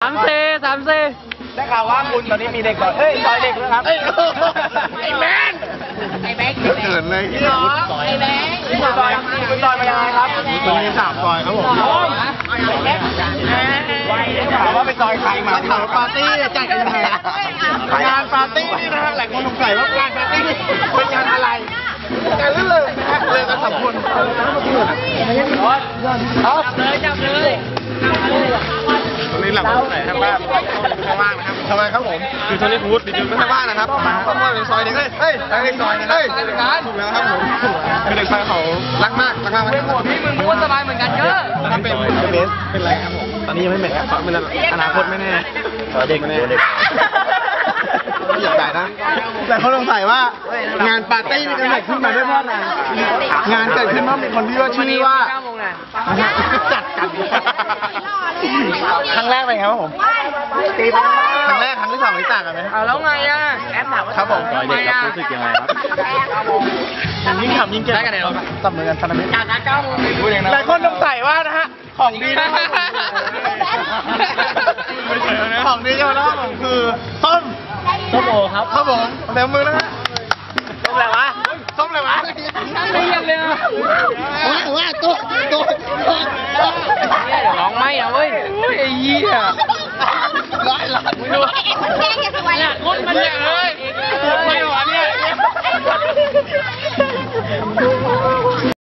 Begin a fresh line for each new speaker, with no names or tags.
3C
ได้ข่าวว่าคุณตอนนี้มีเด็กก่อนซอยเด็กนะครับไอ้แมน
เกิดเลยที่
ไอ้แมนคุณซอยมายังไงครับ
มันมี3 ซอยครับผม
ถามว่าไปซอยใครมา
ถามปาร์ตี้จัดกันยังไงงานปาร์ตี้นี่นะฮะหลายคนสงสัยว่างานปาร์ตี้เป็นงานอะไรงานลื่นเลยนะฮะเลยกัน3 คน
จับเลย
ตอนนี้หลังไหนทางบ้านทางบ้านนะครับทำไมครับผมคือตอนนี้พูดดิจิทัลทางบ้านนะครับต้องว่าเป็นซอยเด็กเฮ้ยเด็กซอยนะครับถูกแล้วครับผมคือเด็กซอยเขารักมากมาก
พี่มึงพูดสบายเหมือนกันเยอะ
ถ้าเป็นเบสเป็นไรครับผมตอนนี้ยังไม่เหม็นครับเป็นอนาคตไม่แน่เด็กไม่แน่ไม่อยากได้นะแต่เขาสงสัยว่างานปาร์ตี้นี่เกิดขึ้นมาได้เพราะอะไรงานเกิดขึ้นเพราะมีคนที่ว่าชื่อว่าจัดกันครั้งแรกเป็นไงครับผมครั้งแรกครั้งที่ 2นี่ต่างกันไหม
แล้วไงอ่ะแอปถามว่า
ครับผม
เด็กครับรู้สึกยังไงครับ
ยิ่งขำยิ่งเก่งจับมือกันพันธมิตร
จากนัด9 โมง
หลายคนสงสัยว่านะฮะของดีนะของดีเจ้าน้องผมคือส้ม
โอครับ
ครับผมเต็มมือนะฮะ
ส้มอะไรวะ
ส้มอะไรวะ
ไม่เรียนเลย
ว่าตัว
ร้องไม่นะเว้ยไอ้เหี้ย
ร้อย
มึงดูเนี่ยคนมันเนี่ยเลยไม่หวานเนี่ย